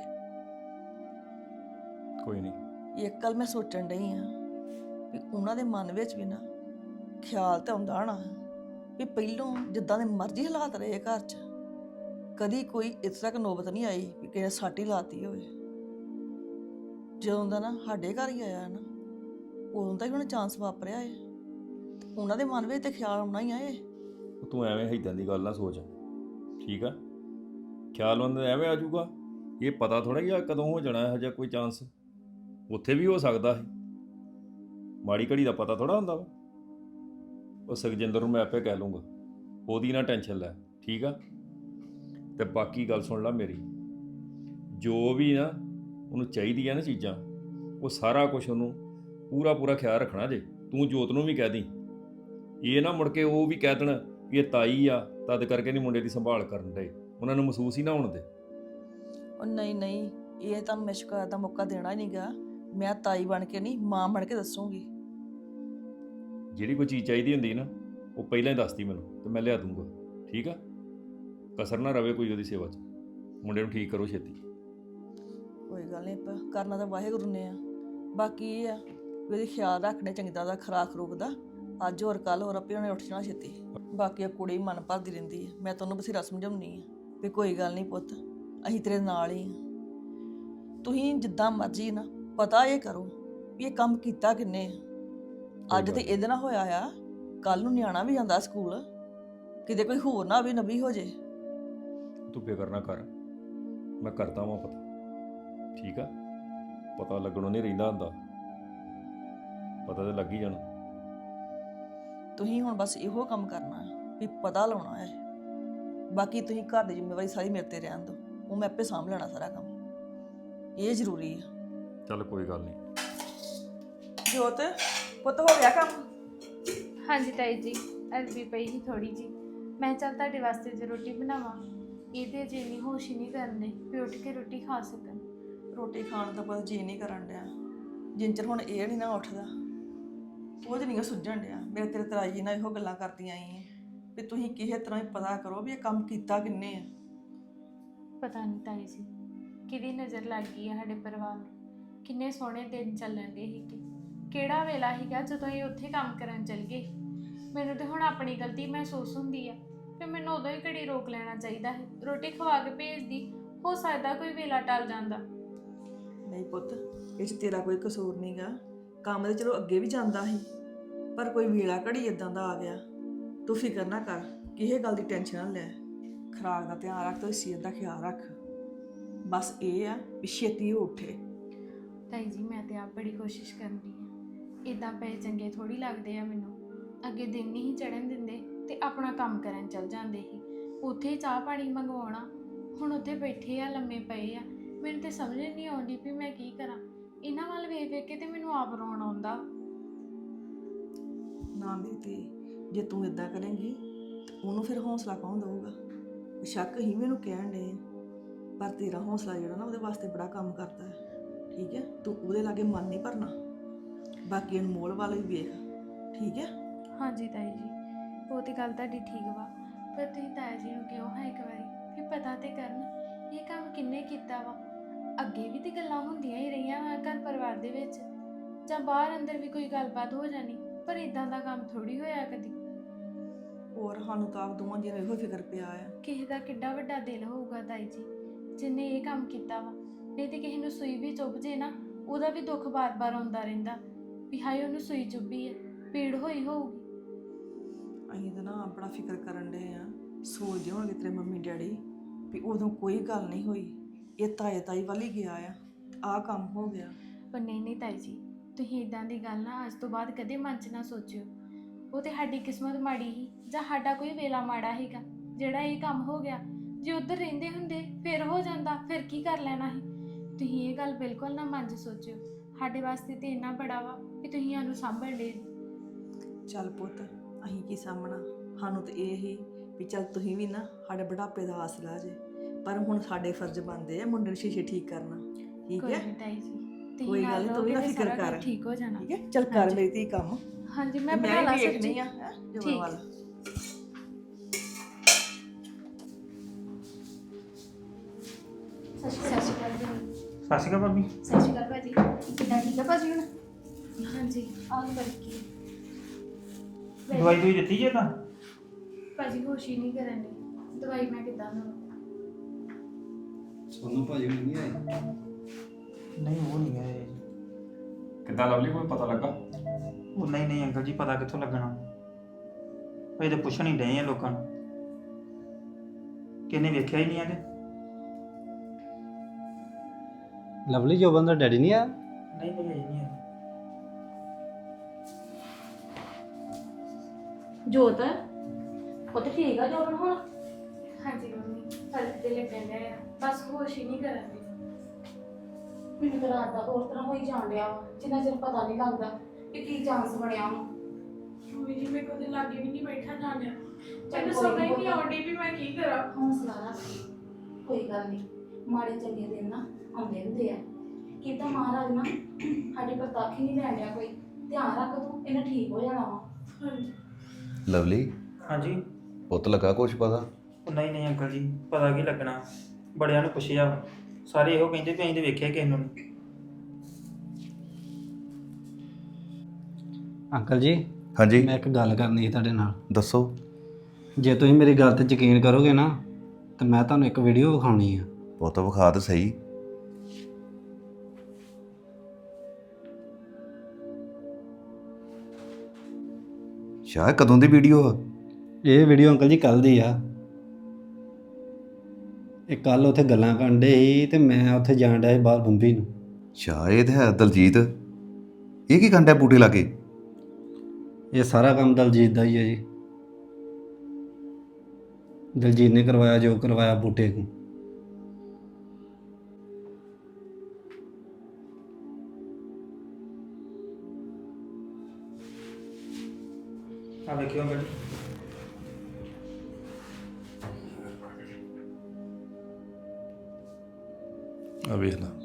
[SPEAKER 4] ਕੋਈ ਨਹੀਂ।
[SPEAKER 7] ਇੱਕ ਗੱਲ ਮੈਂ ਸੋਚਣ ਡਈ ਆ ਵੀ ਉਹਨਾਂ ਦੇ ਮਨ ਵਿੱਚ ਵੀ ਨਾ ਖਿਆਲ ਤਾਂ ਆਉਂਦਾ ਨਾ ਵੀ ਪਹਿਲੋਂ ਜਿੱਦਾਂ ਦੇ ਮਰਜ਼ੀ ਹਾਲਾਤ ਰਹੇ ਘਰ 'ਚ, ਕਦੀ ਕੋਈ ਇਸ ਤੱਕ ਨੌਬਤ ਨਹੀਂ ਆਈ ਵੀ ਕਿਸੇ ਸੱਟ ਹੀ ਲਾਤੀ ਹੋਵੇ। ਜਦੋਂ ਦਾ ਨਾ ਸਾਡੇ ਘਰ ਹੀ ਆਇਆ ਨਾ, ਉਦੋਂ ਦਾ ਹੀ ਹੁਣ ਚਾਂਸ ਵਾਪਰਿਆ ਏ। ਉਹਨਾਂ ਦੇ ਮਨ ਵਿੱਚ ਤੇ ਖਿਆਲ ਆਉਣਾ ਹੀ ਆਏ।
[SPEAKER 4] ਤੂੰ ਐਵੇਂ ਇੱਦਾਂ ਦੀ ਗੱਲ ਨਾ ਸੋਚ, ਠੀਕ ਆ। ਖਿਆਲ ਉਹਨਾਂ ਦਾ ਐਵੇਂ ਆ ਜਾਊਗਾ, ਇਹ ਪਤਾ ਥੋੜਾ ਕਿ ਕਦੋਂ ਹੋ ਜਾਣਾ ਇਹੋ ਜਿਹਾ ਕੋਈ ਚਾਂਸ। ਉੱਥੇ ਵੀ ਹੋ ਸਕਦਾ ਹੈ, ਮਾੜੀ ਘੜੀ ਦਾ ਪਤਾ ਥੋੜਾ ਹੁੰਦਾ ਵਾ। ਉਹ ਸੁਖਜਿੰਦਰ ਨੂੰ ਮੈਂ ਆਪੇ ਕਹਿ ਲੂੰਗਾ, ਉਹਦੀ ਨਾ ਟੈਨਸ਼ਨ ਲੈ, ਠੀਕ ਆ। ਤੇ ਬਾਕੀ ਗੱਲ ਸੁਣ ਲੈ ਮੇਰੀ, ਜੋ ਵੀ ਨਾ ਉਹਨੂੰ ਚਾਹੀਦੀ ਆ ਨਾ ਚੀਜ਼ਾਂ, ਉਹ ਸਾਰਾ ਕੁਝ ਉਹਨੂੰ ਪੂਰਾ ਖਿਆਲ ਰੱਖਣਾ ਜੇ। ਤੂੰ ਜੋਤ ਨੂੰ ਵੀ ਕਹਿ ਦੀ, ਇਹ ਨਾ ਮੁੜ ਕੇ ਉਹ ਵੀ ਕਹਿ ਦੇਣ ਵੀ ਇਹ ਤਾਈ ਆ ਤਦ ਕਰਕੇ ਨਹੀਂ ਮੁੰਡੇ ਦੀ ਸੰਭਾਲ ਕਰਨ ਦੇ, ਉਹਨਾਂ ਨੂੰ ਮਹਿਸੂਸ ਹੀ ਨਾ ਹੋਣ ਦੇ।
[SPEAKER 7] ਉਹ ਨਹੀਂ, ਇਹ ਤੁਹਾਨੂੰ ਮੈਂ ਸ਼ਿਕਾਇਤ ਦਾ ਮੌਕਾ ਦੇਣਾ ਹੀ ਨਹੀਂਗਾ। ਮੈਂ ਤਾਈ ਬਣ ਕੇ ਨਹੀਂ, ਮਾਂ ਬਣ ਕੇ ਦੱਸੂਗੀ।
[SPEAKER 4] ਜਿਹੜੀ ਕੋਈ ਚੀਜ਼ ਚਾਹੀਦੀ ਹੁੰਦੀ ਨਾ, ਉਹ ਪਹਿਲਾਂ ਹੀ ਦੱਸਦੀ ਮੈਨੂੰ ਤੇ ਮੈਂ ਲਿਆ ਦੂੰਗਾ, ਠੀਕ ਆ। ਕਸਰ ਨਾ ਰਵੇ ਕੋਈ ਉਹਦੀ ਸੇਵਾ 'ਚ। ਮੁੰਡੇ ਨੂੰ ਠੀਕ ਕਰੋ ਛੇਤੀ।
[SPEAKER 7] ਕੋਈ ਗੱਲ ਨਹੀਂ, ਆਪਾਂ ਕਰਨਾ ਤਾਂ ਵਾਹਿਗੁਰੂ ਨੇ ਆ। ਬਾਕੀ ਇਹ ਆ ਵੀ ਉਹਦੀ ਖਿਆਲ ਰੱਖਣੇ ਚੰਗੀ ਤਰ੍ਹਾਂ ਦਾ, ਖੁਰਾਕ ਖਰੂਕ ਦਾ। ਅੱਜ ਹੋਰ ਕੱਲ ਹੋਰ ਆਪੇ ਉਹਨੇ ਉੱਠ ਜਾਣਾ ਛੇਤੀ। ਬਾਕੀ ਆ ਕੁੜੀ ਮਨ ਭਰਦੀ ਰਹਿੰਦੀ ਹੈ, ਮੈਂ ਤੁਹਾਨੂੰ ਬਥੇਰਾ ਸਮਝਾਉਣੀ ਆ ਵੀ ਕੋਈ ਗੱਲ ਨਹੀਂ ਪੁੱਤ, ਅਸੀਂ ਤੇਰੇ ਨਾਲ ਹੀ ਆ। ਤੁਸੀਂ ਜਿੱਦਾਂ ਮਰਜ਼ੀ ਨਾ ਪਤਾ ਇਹ ਕਰੋ ਵੀ ਇਹ ਕੰਮ ਕੀਤਾ ਕਿੰਨੇ ਆ। ਅੱਜ ਤੇ ਇਹਦੇ ਨਾਲ ਹੋਇਆ ਆ, ਕੱਲ ਨੂੰ ਨਿਆਣਾ ਵੀ ਜਾਂਦਾ ਸਕੂਲ, ਕਿਤੇ ਕੋਈ ਹੋਰ ਨਾ ਵੀ ਨਬੀ ਹੋ ਜੇ।
[SPEAKER 4] ਤੂੰ ਫਿਕਰ ਨਾ ਕਰ, ਮੈਂ ਕਰਦਾ ਵਾਂ ਪਤਾ, ਠੀਕ ਆ? ਪਤਾ ਲੱਗਣੋਂ ਨਹੀਂ ਰਹਿੰਦਾ ਹੁੰਦਾ, ਪਤਾ ਤੇ ਲੱਗ ਹੀ ਜਾਣਾ।
[SPEAKER 7] ਤੁਸੀਂ ਹੁਣ ਬਸ ਇਹੋ ਕੰਮ ਕਰਨਾ ਹੈ ਵੀ ਪਤਾ ਲਾਉਣਾ ਹੈ। ਬਾਕੀ ਤੁਸੀਂ ਘਰ ਦੀ ਜ਼ਿੰਮੇਵਾਰੀ ਸਾਰੀ ਮੇਰੇ ਤੇ ਰਹਿਣ ਦਿਓ, ਉਹ ਮੈਂ ਆਪੇ ਸਾਂਭ ਲੈਣਾ ਸਾਰਾ ਕੰਮ। ਇਹ ਜ਼ਰੂਰੀ ਆ।
[SPEAKER 4] ਚੱਲ ਕੋਈ ਗੱਲ ਨਹੀਂ।
[SPEAKER 7] ਜੋਤ ਪੁੱਤ ਹੋ ਗਿਆ ਕੰਮ?
[SPEAKER 8] ਹਾਂਜੀ ਤਾਈ ਜੀ, ਅਰਬੀ ਪਈ ਸੀ ਥੋੜੀ ਜੀ, ਮੈਂ ਚੱਲ ਤੁਹਾਡੇ ਵਾਸਤੇ ਜੇ ਰੋਟੀ ਬਣਾਵਾਂ। ਇਹਦੇ ਜੇ ਨਹੀਂ ਹੋਸ਼ ਹੀ ਨਹੀਂ ਕਰਨੇ ਵੀ ਉੱਠ ਕੇ ਰੋਟੀ ਖਾ ਸਕਣ।
[SPEAKER 7] ਰੋਟੀ ਖਾਣ ਦਾ ਬਸ ਜੀ ਨਹੀਂ ਕਰਨ ਡਿਆ, ਜਿੰਨ ਚਿਰ ਹੁਣ ਇਹ ਨਹੀਂ ਨਾ ਉੱਠਦਾ ਉਹ ਨਹੀਂ ਸੁੱਝਣ ਡਿਆ। ਮੇਰੇ ਤੇਰੇ ਤਰਾਈ ਜੀ ਨਾਲ ਇਹੋ ਗੱਲਾਂ ਕਰਦੀਆਂ ਆਈ ਵੀ ਤੁਸੀਂ ਕਿਸੇ ਤਰ੍ਹਾਂ ਹੀ ਪਤਾ ਕਰੋ ਵੀ ਇਹ ਕੰਮ ਕੀਤਾ ਕਿੰਨੇ ਆ।
[SPEAKER 8] ਪਤਾ ਨਹੀਂ ਤਾਈ ਜੀ ਕਿਹਦੀ ਨਜ਼ਰ ਲੱਗ ਗਈ ਹੈ ਸਾਡੇ ਪਰਿਵਾਰ ਨੂੰ। ਕਿੰਨੇ ਸੋਹਣੇ ਦਿਨ ਚੱਲਣ ਦੇ ਸੀ, ਕਿਹੜਾ ਵੇਲਾ ਸੀਗਾ ਜਦੋਂ ਇਹ ਉੱਥੇ ਕੰਮ ਕਰਨ ਚੱਲ ਗਏ। ਮੈਨੂੰ ਤੇ ਹੁਣ ਆਪਣੀ ਗਲਤੀ ਮਹਿਸੂਸ ਹੁੰਦੀ ਆ ਫਿਰ ਮੈਨੂੰ ਉਦੋਂ ਹੀ ਘੜੀ ਰੋਕ ਲੈਣਾ ਚਾਹੀਦਾ ਹੈ, ਰੋਟੀ ਖਵਾ ਕੇ ਭੇਜਦੀ, ਹੋ ਸਕਦਾ ਕੋਈ ਵੇਲਾ ਟਲ ਜਾਂਦਾ।
[SPEAKER 7] ਨਹੀਂ ਪੁੱਤ, ਇਹ 'ਚ ਤੇਰਾ ਕੋਈ ਕਸੂਰ ਨਹੀਂਗਾ। ਕੰਮ ਤੇ ਚਲੋ ਅੱਗੇ ਵੀ ਜਾਂਦਾ ਸੀ, ਪਰ ਕੋਈ ਵੇਲਾ ਘੜੀ ਇਦਾਂ ਦਾ ਆ ਗਿਆ। ਤੂੰ ਫਿਕਰ ਨਾ ਕਰ, ਕਿਸੇ ਗੱਲ ਦੀ ਟੈਨਸ਼ਨ ਨਾ ਲੈ। ਖੁਰਾਕ ਦਾ ਧਿਆਨ ਰੱਖ ਤੇ ਸਿਹਤ ਦਾ ਖਿਆਲ ਰੱਖ। ਬਸ ਇਹ ਆ ਵੀ ਛੇਤੀ ਉਹ ਉੱਠੇ।
[SPEAKER 8] ਤਾਈ ਜੀ ਮੈਂ ਤੇ ਆਪ ਬੜੀ ਕੋਸ਼ਿਸ਼ ਕਰਦੀ ਆ, ਇਦਾਂ ਪਏ ਚੰਗੇ ਥੋੜੀ ਲੱਗਦੇ ਆ ਮੈਨੂੰ। ਅੱਗੇ ਦਿਨ ਨਹੀਂ ਚੜਨ ਦਿੰਦੇ ਤੇ ਆਪਣਾ ਕੰਮ ਕਰਨ ਚੱਲ ਜਾਂਦੇ ਸੀ, ਉੱਥੇ ਚਾਹ ਪਾਣੀ ਮੰਗਵਾਉਣਾ। ਹੁਣ ਉੱਥੇ ਬੈਠੇ ਆ, ਲੰਮੇ ਪਏ ਆ, ਮੈਨੂੰ ਤੇ ਸਮਝ ਨਹੀਂ ਆਉਂਦੀ ਵੀ ਮੈਂ ਕੀ ਕਰਾਂ। ਇਹਨਾਂ ਵੱਲ ਵੇਖ ਵੇਖ ਕੇ ਤੇ ਮੈਨੂੰ ਆਪ ਰੋਣ ਆਉਂਦਾ।
[SPEAKER 7] ਨਾ ਮੇਰੀ ਧੀ, ਜੇ ਤੂੰ ਇਦਾਂ ਕਰੇਂਗੀ ਤੇ ਉਹਨੂੰ ਫਿਰ ਹੌਸਲਾ ਕੌਣ ਦਊਗਾ? ਸ਼ੱਕ ਹੀ ਮੈਨੂੰ ਕਹਿਣ ਡੇ, ਪਰ ਤੇਰਾ ਹੌਸਲਾ ਜਿਹੜਾ ਨਾ ਉਹਦੇ ਵਾਸਤੇ ਬੜਾ ਕੰਮ ਕਰਦਾ ਹੈ। ਠੀਕ ਹੈ, ਤੂੰ ਉਹਦੇ ਲਾਗੇ ਮਨ ਨਹੀਂ ਭਰਨਾ। ਬਾਕੀ ਅਨਮੋਲ ਵੱਲ ਵੀ ਵੇਖ, ਠੀਕ ਹੈ?
[SPEAKER 8] ਹਾਂਜੀ ਤਾਈ ਜੀ, ਉਹ ਤੇ ਗੱਲ ਤੁਹਾਡੀ ਠੀਕ ਵਾ, ਪਰ ਤੁਸੀਂ ਤਾਇਆ ਜੀ ਨੂੰ ਕਿਉਂ ਹੈ ਇੱਕ ਵਾਰੀ ਵੀ ਪਤਾ ਤੇ ਕਰਨ ਇਹ ਕੰਮ ਕਿੰਨੇ ਕੀਤਾ ਵਾ। ਅੱਗੇ ਵੀ ਤੇ ਗੱਲਾਂ ਹੁੰਦੀਆਂ ਹੀ ਰਹੀਆਂ ਵਾ ਘਰ ਪਰਿਵਾਰ ਦੇ ਵਿੱਚ, ਜਾਂ ਬਾਹਰ ਅੰਦਰ ਵੀ ਕੋਈ ਗੱਲਬਾਤ ਹੋ ਜਾਣੀ, ਪਰ ਇਦਾਂ ਦਾ ਕੰਮ ਥੋੜੀ ਹੋਇਆ ਕਦੀ।
[SPEAKER 7] ਹੋਰ ਸਾਨੂੰ ਤਾਂ ਆਪ ਦੋਵਾਂ ਜੀਆਂ ਨੂੰ ਇਹੋ ਫਿਕਰ ਪਿਆ ਆ।
[SPEAKER 8] ਕਿਸੇ ਦਾ ਕਿੱਡਾ ਵੱਡਾ ਦਿਲ ਹੋਊਗਾ ਤਾਈ ਜੀ ਜਿੰਨੇ ਇਹ ਕੰਮ ਕੀਤਾ ਵਾ। ਨਹੀਂ ਤੇ ਕਿਸੇ ਨੂੰ ਸੂਈ ਵੀ ਚੁੱਭ ਜੇ ਨਾ, ਉਹਦਾ ਵੀ ਦੁੱਖ ਬਾਰ-ਬਾਰ ਆਉਂਦਾ ਰਹਿੰਦਾ ਵੀ ਹਾਏ ਉਹਨੂੰ ਸੂਈ ਚੁੱਭੀ ਹੈ, ਪੀੜ ਹੋਈ ਹੋਊਗੀ।
[SPEAKER 7] ਅਸੀਂ ਤਾਂ ਨਾ ਆਪਣਾ ਫਿਕਰ ਕਰਨ ਡੇ ਆ, ਸੋਚਦੇ ਹੋਣਗੇ ਤੇਰੇ ਮੰਮੀ ਡੈਡੀ ਵੀ ਉਦੋਂ ਕੋਈ ਗੱਲ ਨਹੀਂ ਹੋਈ, ਇਹ ਤਾਈ ਵੱਲ ਹੀ ਗਿਆ ਆ, ਆਹ ਕੰਮ ਹੋ ਗਿਆ।
[SPEAKER 8] ਪਰ ਨਹੀਂ ਤਾਈ ਜੀ, ਤੁਸੀਂ ਇਦਾਂ ਦੀ ਗੱਲ ਨਾ ਅੱਜ ਤੋਂ ਬਾਅਦ ਕਦੇ ਮਨ 'ਚ ਨਾ ਸੋਚਿਓ। ਉਹ ਤੇ ਸਾਡੀ ਕਿਸਮਤ ਮਾੜੀ ਸੀ ਜਾਂ ਸਾਡਾ ਕੋਈ ਵੇਲਾ ਮਾੜਾ ਸੀਗਾ ਜਿਹੜਾ ਇਹ ਕੰਮ ਹੋ ਗਿਆ। ਜੇ ਉੱਧਰ ਰਹਿੰਦੇ ਹੁੰਦੇ ਫਿਰ ਹੋ ਜਾਂਦਾ, ਫਿਰ ਕੀ ਕਰ ਲੈਣਾ ਸੀ। ਤੁਸੀਂ ਇਹ ਗੱਲ ਬਿਲਕੁਲ ਨਾ ਮਨ 'ਚ ਸੋਚਿਓ, ਸਾਡੇ ਵਾਸਤੇ ਤੇ ਇੰਨਾ ਬੜਾ ਵਾ ਕਿ ਤੁਸੀਂ ਸਾਨੂੰ ਸਾਂਭਣ ਦੇ।
[SPEAKER 7] ਚੱਲ ਪੁੱਤ, ਅਸੀਂ ਕੀ ਸਾਂਭਣਾ, ਸਾਨੂੰ ਤਾਂ ਇਹ ਹੀ ਵੀ ਚੱਲ ਤੁਸੀਂ ਵੀ ਨਾ ਸਾਡੇ ਬੁਢਾਪੇ ਦਾ ਆਸਰਾ ਜੇ, ਪਰ ਹੁਣ ਸਾਡੇ ਫਰਜ਼ ਬਣਦੇ ਆ ਮੁੰਡੇ ਨੂੰ ਸ਼ੀਸ਼ੇ ਠੀਕ ਕਰਨਾ। ਠੀਕ
[SPEAKER 8] ਕੋਈ
[SPEAKER 7] ਹੈ?
[SPEAKER 8] ਨਹੀਂ ਤਾਈ ਜੀ, ਤੁਸੀਂ
[SPEAKER 7] ਕੋਈ ਗੱਲ
[SPEAKER 8] ਨਾਲ
[SPEAKER 7] ਨਹੀਂ, ਤੂੰ ਵੀ ਨਾ
[SPEAKER 8] ਰਹੋਗੇ
[SPEAKER 7] ਫਿਕਰ
[SPEAKER 8] ਸਾਰਾ ਕੁਝ
[SPEAKER 7] ਕਰ।
[SPEAKER 8] ਠੀਕ ਹੋ ਜਾਣਾ।
[SPEAKER 7] ਠੀਕ ਹੈ, ਚੱਲ ਕਰ ਮੇਰੀ ਧੀ ਕੰਮ।
[SPEAKER 8] ਹਾਂਜੀ ਮੈਂ
[SPEAKER 7] ਤੇ
[SPEAKER 8] ਬਣਾ ਲਾ
[SPEAKER 7] ਵੀ
[SPEAKER 8] ਸਬਜ਼ੀ।
[SPEAKER 7] ਵੇਖਣੀ ਆ ਜੋਰ
[SPEAKER 8] ਠੀਕ।
[SPEAKER 7] ਵੱਲ।
[SPEAKER 8] ਸਤਿ ਸ਼੍ਰੀ ਅਕਾਲ ਜੀ।
[SPEAKER 9] ਸਤਿ ਸ਼੍ਰੀ ਅਕਾਲ ਭਾਬੀ।
[SPEAKER 8] ਸਤਿ ਸ਼੍ਰੀ ਅਕਾਲ ਭਾਜੀ, ਕਿੱਦਾਂ ਠੀਕ ਆ ਭਾਜੀ ਹੁਣ? ਹਾਂਜੀ ਆਹ ਬਰਕੀ
[SPEAKER 9] ਦਵਾਈ ਦੂਈ ਦਿੱਤੀ ਜੇ ਤਾਂ?
[SPEAKER 8] ਭਾਜੀ ਹੋਸ਼ ਹੀ ਨਹੀਂ ਕਰਨ ਦੀ, ਦਵਾਈ ਮੈਂ ਕਿੱਦਾਂ ਦਵਾਂ?
[SPEAKER 3] ਸੋਨੂੰ ਭਾਜੀ ਨੂੰ ਨਹੀਂ ਆਏ?
[SPEAKER 9] ਨਹੀਂ ਉਹ ਨਹੀਂ ਆਏ ਜੀ।
[SPEAKER 4] ਕਿੱਦਾਂ ਲਵਲੀ, ਕੋਈ ਪਤਾ ਲੱਗਾ?
[SPEAKER 9] ਉਹ ਨਹੀਂ ਅੰਕਲ ਜੀ, ਪਤਾ ਕਿੱਥੋਂ ਲੱਗਣਾ, ਅਸੀਂ ਤਾਂ ਪੁੱਛਣ ਹੀ ਡਏ ਆ ਲੋਕਾਂ ਨੂੰ, ਕਿਹਨੇ ਵੇਖਿਆ ਹੀ ਨਹੀਂ ਆਗੇ।
[SPEAKER 3] ਲਵਲੀ ਜੋਬਨ ਦਾ ਡੈਡੀ ਨਹੀਂ ਆ?
[SPEAKER 9] ਨਹੀਂ ਅਜੇ ਨਹੀਂ ਆਏ।
[SPEAKER 5] ਜੋਤ ਪੁੱਤ ਠੀਕ ਆ ਜੋਬਨ ਹੁਣ?
[SPEAKER 8] ਹਾਂਜੀ ਮੰਮੀ, ਫਰਕ ਤੇ ਲੱਗਣ ਡਿਆ ਆ, ਬਸ ਹੋਸ਼ ਹੀ ਨਹੀਂ ਕਰਨ ਦੀ।
[SPEAKER 5] ਮੈਨੂੰ ਤਾਂ ਰਾਤ ਦਾ ਹੋਰ ਤਰ੍ਹਾਂ ਹੋਈ ਜਾਣ ਡਿਆ ਵਾ, ਜਿੰਨਾ ਚਿਰ ਪਤਾ ਨਹੀਂ ਲੱਗਦਾ ਕਿ ਕੀ ਚਾਂਸ ਬਣਿਆ ਵਾ।
[SPEAKER 8] ਮੰਮੀ ਜੀ ਮੇਰੇ ਕੋਲ ਤੇ ਲਾਗੇ ਵੀ ਨਹੀਂ ਬੈਠਾ ਜਾਂਦਿਆ,
[SPEAKER 5] ਚੱਲ
[SPEAKER 8] ਮੈਨੂੰ
[SPEAKER 5] ਕੋਈ
[SPEAKER 8] ਸਮਝ
[SPEAKER 5] ਨੀ
[SPEAKER 8] ਨਹੀਂ ਆਉਂਦੀ ਵੀ ਮੈਂ ਕੀ ਕਰਾਂ।
[SPEAKER 5] ਹੌਸਲਾ ਰੱਖ, ਕੋਈ ਗੱਲ ਨਹੀਂ, ਮਾੜੇ ਚੰਗੇ ਦਿਨ ਨਾ ਆਉਂਦੇ ਹੁੰਦੇ ਆ। ਕਿਦਾਂ ਮਹਾਰਾਜ ਨਾ ਸਾਡੀ ਪ੍ਰਤਾਖੀ ਨਹੀਂ ਲੈਣ ਡਿਆ ਕੋਈ, ਧਿਆਨ ਰੱਖ ਤੂੰ, ਇਹਨੇ ਠੀਕ ਹੋ ਜਾਣਾ ਵਾ।
[SPEAKER 8] ਹਾਂਜੀ
[SPEAKER 6] ਲਵਲੀ,
[SPEAKER 9] ਹਾਂਜੀ।
[SPEAKER 6] ਪੁੱਤ ਲੱਗਾ ਕੁਛ ਪਤਾ?
[SPEAKER 9] ਉਹ ਨਹੀਂ ਅੰਕਲ ਜੀ, ਪਤਾ ਕੀ ਲੱਗਣਾ, ਬੜਿਆਂ ਨੂੰ ਪੁੱਛਿਆ ਵਾ। ਸਾਰੇ ਇਹੋ ਕਹਿੰਦੇ ਵੀ ਅਸੀਂ ਤੇ ਵੇਖਿਆ ਕਿਸੇ ਨੂੰ ਨੀ।
[SPEAKER 3] ਅੰਕਲ ਜੀ
[SPEAKER 6] ਹਾਂਜੀ
[SPEAKER 3] ਮੈਂ ਇੱਕ ਗੱਲ ਕਰਨੀ ਸੀ ਤੁਹਾਡੇ ਨਾਲ।
[SPEAKER 6] ਦੱਸੋ।
[SPEAKER 3] ਜੇ ਤੁਸੀਂ ਮੇਰੀ ਗੱਲ ਤੇ ਯਕੀਨ ਕਰੋਗੇ ਨਾ ਤਾਂ ਮੈਂ ਤੁਹਾਨੂੰ ਇੱਕ ਵੀਡੀਓ ਵਿਖਾਉਣੀ ਆ।
[SPEAKER 6] ਪੁੱਤ ਵਿਖਾ ਤੇ ਸਹੀ। ਸ਼ਾਇਦ ਕਦੋਂ ਦੀ ਵੀਡੀਓ ਆ?
[SPEAKER 3] ਇਹ ਵੀਡੀਓ ਅੰਕਲ ਜੀ ਕੱਲ ਦੀ ਆ। ਇਹ ਕੱਲ ਉੱਥੇ ਗੱਲਾਂ ਕਰਨ ਡੇ ਸੀ ਤੇ ਮੈਂ ਉੱਥੇ ਜਾਣ ਡਿਆ ਸੀ ਬਾਹਰ ਬੰਬੀ ਨੂੰ।
[SPEAKER 6] ਸ਼ਾਇਦ ਹੈ ਦਲਜੀਤ। ਇਹ ਕੀ ਕੰਡਾ ਬੂਟੇ ਲਾਗੇ?
[SPEAKER 3] ਇਹ ਸਾਰਾ ਕੰਮ ਦਲਜੀਤ ਦਾ ਹੀ ਹੈ ਜੀ। ਦਲਜੀਤ ਨੇ ਕਰਵਾਇਆ ਜੋ ਕਰਵਾਇਆ ਬੂਟੇ ਨੂੰ।
[SPEAKER 9] ਆ ਵੇਖਿਓ ਅੰਕਲ ਜੀ।
[SPEAKER 4] ਆ ਵੇਖ ਲਾ।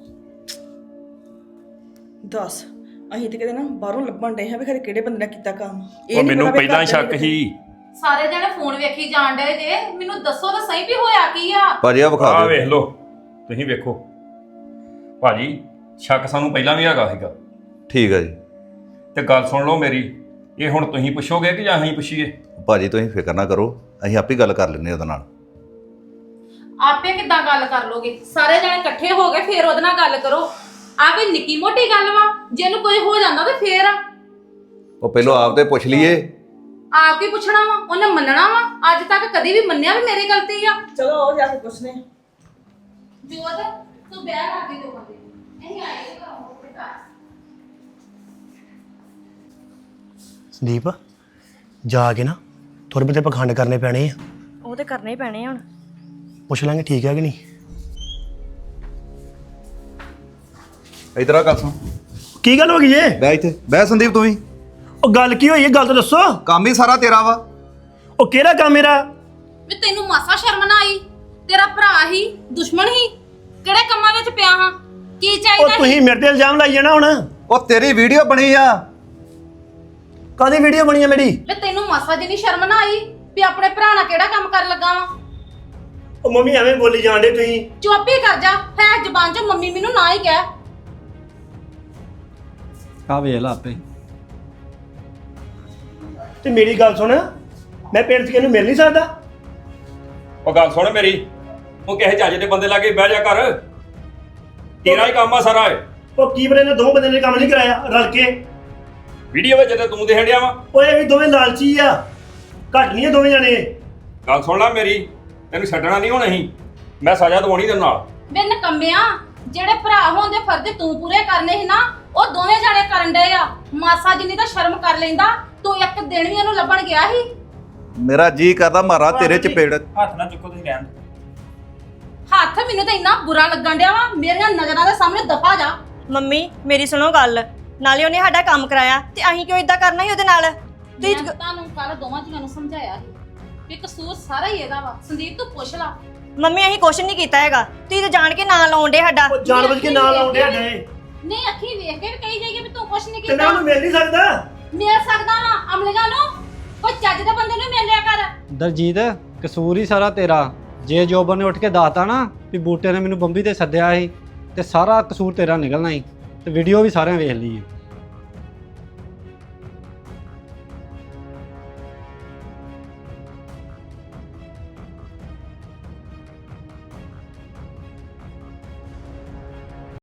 [SPEAKER 7] ਦੱਸ ਅਸੀਂ ਤੇ ਕਿਤੇ ਨਾ ਬਾਹਰੋਂ ਲੱਭਣ ਡਏ ਹਾਂ ਵੀ ਖਰੇ ਕਿਹੜੇ ਬੰਦੇ ਨੇ ਕੀਤਾ ਕੰਮ।
[SPEAKER 4] ਉਹ ਮੈਨੂੰ ਪਹਿਲਾਂ ਸ਼ੱਕ ਸੀ।
[SPEAKER 5] ਸਾਰੇ ਜਣੇ ਫੋਨ ਵੇਖੀ ਜਾਣ ਡਏ ਜੇ, ਮੈਨੂੰ ਦੱਸੋ ਤਾਂ ਸਹੀ ਵੀ ਹੋਇਆ ਕੀ ਆ।
[SPEAKER 6] ਭਾਜੀ ਆ ਵਿਖਾ
[SPEAKER 4] ਆ
[SPEAKER 6] ਦਿਓ।
[SPEAKER 4] ਵੇਖ ਲਓ, ਤੁਸੀਂ ਵੇਖੋ ਭਾਜੀ, ਸ਼ੱਕ ਸਾਨੂੰ ਪਹਿਲਾਂ ਵੀ ਹੈਗਾ ਸੀਗਾ।
[SPEAKER 6] ਠੀਕ ਹੈ ਜੀ।
[SPEAKER 4] ਤੇ ਗੱਲ ਸੁਣ ਲਓ ਮੇਰੀ, ਇਹ ਹੁਣ ਤੁਸੀਂ ਪੁੱਛੋਗੇ ਕਿ ਜਾਂ ਅਸੀਂ ਪੁੱਛੀਏ?
[SPEAKER 6] ਭਾਜੀ ਤੁਸੀਂ ਫਿਕਰ ਨਾ ਕਰੋ, ਅਸੀਂ ਆਪੇ ਗੱਲ ਕਰ ਲੈਂਦੇ ਉਹਦੇ ਨਾਲ।
[SPEAKER 5] ਆਪੇ ਕਿੱਦਾਂ ਗੱਲ ਕਰ ਲੋਗੇ? ਸਾਰੇ ਜਣੇ ਇਕੱਠੇ ਹੋ ਗਏ ਫਿਰ ਉਹਦੇ ਨਾਲ ਗੱਲ ਕਰੋ। ਆ ਕੋਈ ਨਿੱਕੀ ਮੋਟੀ ਗੱਲ ਵਾ? ਜੇ ਇਹਨੂੰ ਕੋਈ ਹੋ ਜਾਂਦਾ ਤੇ ਫੇਰ
[SPEAKER 6] ਉਹ ਪਹਿਲਾਂ ਆਪ ਤੇ ਪੁੱਛ ਲਈਏ।
[SPEAKER 5] ਆਪ ਕੀ ਪੁੱਛਣਾ ਵਾ? ਉਹਨੇ ਮੰਨਣਾ ਵਾ? ਅੱਜ ਤੱਕ ਕਦੀ ਵੀ ਮੰਨਿਆ ਵੀ ਮੇਰੀ ਗਲਤੀ ਆ?
[SPEAKER 7] ਚਲੋ ਉਹ ਜਾ ਕੇ ਪੁੱਛਨੇ।
[SPEAKER 5] ਜੋਤ ਤੂੰ ਵਿਆਹ ਕਰ ਦੇ ਦੋ ਬੰਦੇ ਇਹ ਆਏ ਘਰੋਂ ਬੇਟਾ।
[SPEAKER 2] ਸੰਦੀਪ ਜਾ ਕੇ ਨਾ ਥੋੜੇ ਬਹੁਤੇ ਪਖੰਡ ਕਰਨੇ ਪੈਣੇ ਆ।
[SPEAKER 1] ਉਹ ਤੇ ਕਰਨੇ ਹੀ ਪੈਣੇ ਹੁਣ।
[SPEAKER 2] ਪੁੱਛ ਲਾਂਗੇ ਠੀਕ ਹੈ ਕਿ ਨਹੀਂ।
[SPEAKER 6] ਇਧਰ ਆ ਗੱਲ ਸੁਣ।
[SPEAKER 2] ਕੀ ਗੱਲ ਹੋ ਗਈ ਏ?
[SPEAKER 6] ਬਹਿ ਇੱਥੇ ਬਹਿ ਸੰਦੀਪ ਤੂੰ ਵੀ।
[SPEAKER 2] ਉਹ ਗੱਲ ਕੀ ਹੋਈ ਹੈ? ਗੱਲ ਤਾਂ ਦੱਸੋ।
[SPEAKER 6] ਕੰਮ ਹੀ ਸਾਰਾ ਤੇਰਾ ਵਾ।
[SPEAKER 2] ਉਹ ਕਿਹੜਾ ਕੰਮ ਮੇਰਾ?
[SPEAKER 5] ਵੀ ਤੈਨੂੰ ਮਾਸਾ ਸ਼ਰਮ ਨਾ ਆਈ? ਤੇਰਾ ਭਰਾ ਹੀ ਦੁਸ਼ਮਣ ਹੀ? ਕਿਹੜੇ ਕੰਮਾਂ ਵਿੱਚ ਪਿਆ ਹਾਂ? ਕੀ
[SPEAKER 2] ਉਹ
[SPEAKER 5] ਚਾਹੀਦਾ ਸੀ?
[SPEAKER 2] ਤੁਸੀਂ ਮੇਰੇ ਤੇ ਇਲਜ਼ਾਮ ਲਾਈ ਜਾਣਾ ਹੁਣ।
[SPEAKER 6] ਉਹ ਤੇਰੀ ਵੀਡੀਓ ਬਣੀ ਆ।
[SPEAKER 2] ਕਾਹਦੀ ਵੀਡੀਓ ਬਣੀ ਆ ਮੇਰੀ?
[SPEAKER 5] ਵੀ ਤੈਨੂੰ ਮਾਸਾ ਜਿੰਨੀ ਸ਼ਰਮ ਨਾ ਆਈ ਵੀ ਆਪਣੇ ਭਰਾ ਨਾਲ ਕਿਹੜਾ ਕੰਮ ਕਰਨ ਲੱਗਾ ਵਾ?
[SPEAKER 2] ਉਹ ਮੰਮੀ ਐਵੇਂ ਬੋਲੀ ਜਾਂਦੇ ਤੁਸੀਂ।
[SPEAKER 5] ਚੁੱਪ ਹੀ ਕਰ ਜਾ। ਹੈ ਜ਼ਬਾਨ 'ਚ ਮੰਮੀ ਮੈਨੂੰ ਨਾ ਹੀ ਕਹਿ।
[SPEAKER 3] ਆ ਵੇਖ ਲਾ ਆਪੇ।
[SPEAKER 2] ਤੇ ਮੇਰੀ ਗੱਲ ਸੁਣ, ਮੈਂ ਪਿੰਡ 'ਚ ਕਿਹਨੂੰ ਮਿਲ ਨਹੀਂ ਸਕਦਾ?
[SPEAKER 4] ਉਹ ਗੱਲ ਸੁਣ ਮੇਰੀ, ਉਹ ਕਿਸੇ ਚੱਜ ਦੇ ਬੰਦੇ ਲਾਗੇ ਬਹਿ ਜਾ ਕਰ। ਤੇਰਾ ਹੀ ਕੰਮ ਆ ਸਾਰਾ ਇਹ।
[SPEAKER 2] ਉਹ ਕੀ ਬਰੇ ਨੇ ਦੋ ਬੰਦੇ ਨੇ ਕੰਮ ਨਹੀਂ ਕਰਾਇਆ ਰਲ ਕੇ?
[SPEAKER 4] ਵੀਡੀਓ ਵਿੱਚ ਤੇ ਤੂੰ ਦੇਖਣ ਡਿਆ ਵਾ।
[SPEAKER 2] ਉਹ ਇਹ ਵੀ ਦੋਵੇਂ ਲਾਲਚੀ ਆ, ਘੱਟ ਨਹੀਂ ਆ ਦੋਵੇਂ ਜਾਣੇ।
[SPEAKER 4] ਗੱਲ ਸੁਣ ਲੈ ਮੇਰੀ, ਤੈਨੂੰ ਛੱਡਣਾ ਨਹੀਂ ਹੁਣ ਅਸੀਂ। ਮੈਂ ਸਜ਼ਾ ਦਵਾਉਣੀ ਤੇਰੇ ਨਾਲ।
[SPEAKER 5] ਵੇ ਨਕੰਮਿਆ, ਜਿਹੜੇ ਭਰਾ ਹੋਣ ਦੇ ਫਰਜ਼ ਤੂੰ ਪੂਰੇ ਕਰਨੇ ਸੀ ਨਾ, ਉਹ ਦੋਵੇਂ ਜਾਣੇ ਕਰਨ ਡਏ ਆ। ਮਾਸਾ ਜਿੰਨੀ ਤਾਂ ਸ਼ਰਮ ਕਰ ਲੈਂਦਾ। ਤੂੰ ਇੱਕ ਦਿਨ ਵੀ ਉਹਨੂੰ ਲੱਭਣ ਗਿਆ ਸੀ?
[SPEAKER 6] ਮੇਰਾ ਜੀ ਕਰਦਾ ਮਾਰਾ ਤੇਰੇ ਚਪੇੜ।
[SPEAKER 9] ਹੱਥ ਨਾ ਚੁੱਕੋ ਤੁਸੀਂ ਰਹਿਣ ਦਿਓ।
[SPEAKER 5] ਹੱਥ ਮੈਨੂੰ ਤਾਂ ਇੰਨਾ ਬੁਰਾ ਲੱਗਣ ਡਿਆ ਵਾ, ਮੇਰੀਆਂ ਨਜ਼ਰਾਂ ਦੇ ਸਾਹਮਣੇ ਦਫਾ ਜਾ।
[SPEAKER 1] ਮੰਮੀ ਮੇਰੀ ਸੁਣੋ ਗੱਲ, ਨਾਲੇ ਉਹਨੇ ਸਾਡਾ ਕੰਮ ਕਰਾਇਆ ਤੇ ਅਸੀਂ ਕਿਉਂ ਇਦਾਂ ਕਰਨਾ ਸੀ ਉਹਦੇ ਨਾਲ?
[SPEAKER 5] ਮੈਂ ਤੁਹਾਨੂੰ ਕੱਲ ਦੋਵਾਂ ਜੀਆਂ ਨੂੰ ਸਮਝਾਇਆ ਸੀ ਕਿ ਕਸੂਰ ਸਾਰਾ ਹੀ ਇਹਦਾ ਵਾ। ਸੰਦੀਪ ਤੂੰ ਪੁੱਛ ਲਾ।
[SPEAKER 1] ਮੰਮੀ ਅਸੀਂ ਕੁਛ ਨਹੀਂ ਕੀਤਾ ਹੈਗਾ, ਤੁਸੀਂ ਤਾਂ ਜਾਣ ਕੇ ਨਾਂ ਲਾਉਂਦੇ ਸਾਡਾ।
[SPEAKER 2] ਉਹ ਜਾਣਬੁੱਝ ਕੇ ਨਾਲ ਆਉਂਦੇ ਹੱਡੇ।
[SPEAKER 5] ਨਹੀਂ ਅੱਖੀ ਵੇਖ ਕੇ ਵੀ ਕਹੀ ਜਾਈਏ ਵੀ ਤੂੰ ਕੁਛ ਨਹੀਂ
[SPEAKER 2] ਤੇ
[SPEAKER 5] ਕੀਤਾ।
[SPEAKER 2] ਮੈਂ ਉਹਨੂੰ ਮਿਲ ਨਹੀਂ ਸਕਦਾ?
[SPEAKER 5] ਮਿਲ ਸਕਦਾ ਵਾ ਅਮਲੀਆਂ ਨੂੰ? ਕੋਈ ਚੱਜ ਦੇ ਬੰਦੇ ਨੂੰ ਮਿਲ ਲਿਆ ਕਰ।
[SPEAKER 3] ਦਲਜੀਤ ਕਸੂਰ ਹੀ ਸਾਰਾ ਤੇਰਾ। ਜੇ ਜੋਬਨ ਨੇ ਉੱਠ ਕੇ ਦੱਸਤਾ ਨਾ ਵੀ ਬੂਟੇ ਨੇ ਮੈਨੂੰ ਬੰਬੀ ਤੇ ਸੱਦਿਆ ਸੀ ਤੇ ਸਾਰਾ ਕਸੂਰ ਤੇਰਾ ਨਿਕਲਣਾ ਸੀ। ਤੇ ਵੀਡੀਓ ਵੀ ਸਾਰਿਆਂ ਵੇਖ ਲਈ ਹੈ।